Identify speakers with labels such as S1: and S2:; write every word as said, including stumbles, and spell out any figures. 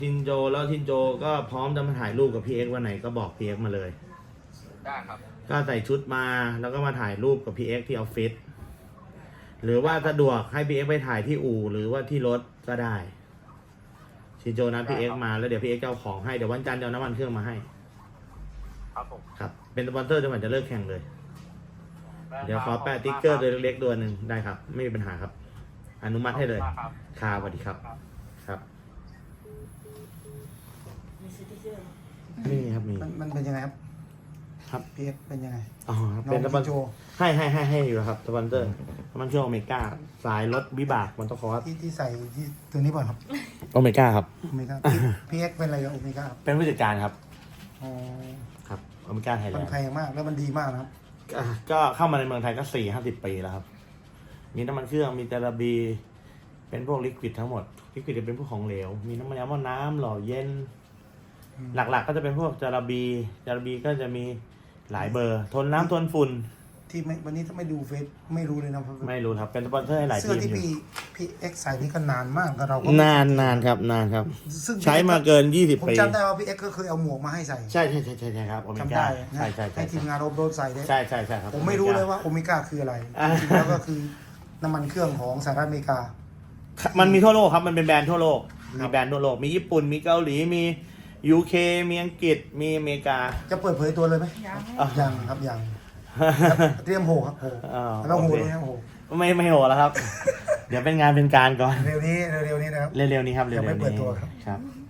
S1: ชินโจแล้วชินโจก็พร้อมจะมาถ่ายรูปกับพี่เอ็กซ์วันไหนก็บอกพี่เอ็กซ์มาเลย
S2: ได้ครับ
S1: ก็ใส่ชุดมาแล้วก็มาถ่ายรูปกับพี่เอ็กซ์ที่ออฟฟิศหรือว่าสะดวกให้พี่เอ็กซ์ไปถ่ายที่อู่หรือว่าที่รถก็ได้ชินโจนัดพี่เอ็กซ์มาแล้วเดี๋ยวพี่เอ็กซ์จะเอาของให้เดี๋ยววันจันทร์จะเอาน้ำมันเครื่องมาให้
S2: ครับผม
S1: ครับเป็นสปอนเซอร์จนกว่าจะเลิกแข่งเลยเดี๋ยวขอแปะติ๊กเกอร์ตัวเล็กๆตัวหนึ่งได้ครับไม่มีปัญหาครับอนุมัติให้เลยค่ะสวัสดีครับครับนี่ครับมี
S3: มันมันเป็นยังไงครับ
S1: ครับ
S3: พีเอฟเป็นยังไง
S1: อ๋อครับ
S3: น้
S1: เป็น
S3: อง
S1: สปอน
S3: พี่โจ
S1: ให้ให้ให้ให้อยู่แล้วครับสปอนเซอร์มันเครื่องโอเมก้าสายรถวิบากมันต้องคอร์ส
S3: ที่ที่ใส่ที่ตัวนี้ป่ะครับ
S1: โอเมก้าครับ
S3: โอเมก้าพีเอ็กเป็นอะไรกับโอเมก้าครับ
S1: เป็นผู้จัดการครับ
S3: อ๋อ
S1: ครับโอเมก้าไทยแล
S3: มัน
S1: น
S3: แพ
S1: ด์
S3: งมากแล้วมันดีมากนะครับ
S1: ก็เข้ามาในเมืองไทยก็สี่ห้าสิบปีแล้วครับ มีน้ำมันเครื่องมีเตราบี เป็นพวกลิควิดทั้งหมดลิควิดจะเป็นพวกของเหลว มีน้ำมันยาหม้อน้ำหล่อเย็น หลักๆก็จะเป็นพวกจาราบีจาราบีก็จะมีหลายเบอร์ ทนน้ำทนฝุ่น
S3: ที่ไม่วันนี้ถ้าไม่ดูเฟซไม่รู้เลยนะ
S1: ไม่รู้ครับเป็นสปอนเซอร์ให้หลาย
S3: เสื้
S1: ที
S3: อ
S1: ม
S3: ที่
S1: อยู่
S3: พี่พี่เอ็กใส่นี่ก็นานมากกับเราก็
S1: นานนานครับนานครับ
S3: ซึ่ง
S1: ใช้มาเกินยี่สิบ
S3: ผม
S1: ปี
S3: จำได้ว่าพี่เอ็กก็เคยเอาหมวกมาให้ใส่
S1: ใช่ใช่ใช่ใช่ใช่ครับโอเม
S3: จำ
S1: ก้า
S3: ได้นะ
S1: ใช่ใช่ใช่
S3: ให้ทีมงานโรบโรดใส่ได้
S1: ใช่ใช่ใช่ครับ
S3: ผมไม่รู้เลยว่าโอเมก้าคืออะไร
S1: อ่า
S3: จริงๆแล้วก็คือน้ำมันเครื่องของสหรัฐอเมริกา
S1: มันมีทั่วโลกครับมันเป็นแบรนด์ทั่วโลก
S3: ครั
S1: มี
S3: บ
S1: แบรนด์ทั่วโลกมีญี่ปุ่นมีเกาหลีมียูเคมีอังกฤษมีอเมริกา
S3: จะเปิดเผยตัวเลยไหม
S4: ยัง
S1: อ่ะ
S3: ยังครับยังเตรียมโหครับโห
S1: อ่า
S3: แล้วโห
S1: โอเค
S3: ด้วยนะโห
S1: ไม่ไม่โหแล้วครับ เดี๋ยวเป็นงานเป็นการก่อน
S3: เร็วนี้เร็วๆนี้นะครับ
S1: เร็วๆนี้ครับเร็ว
S3: ยังไม่
S1: ๆ
S3: เปิ
S1: นี้
S3: ดตัวครับ
S1: ครับ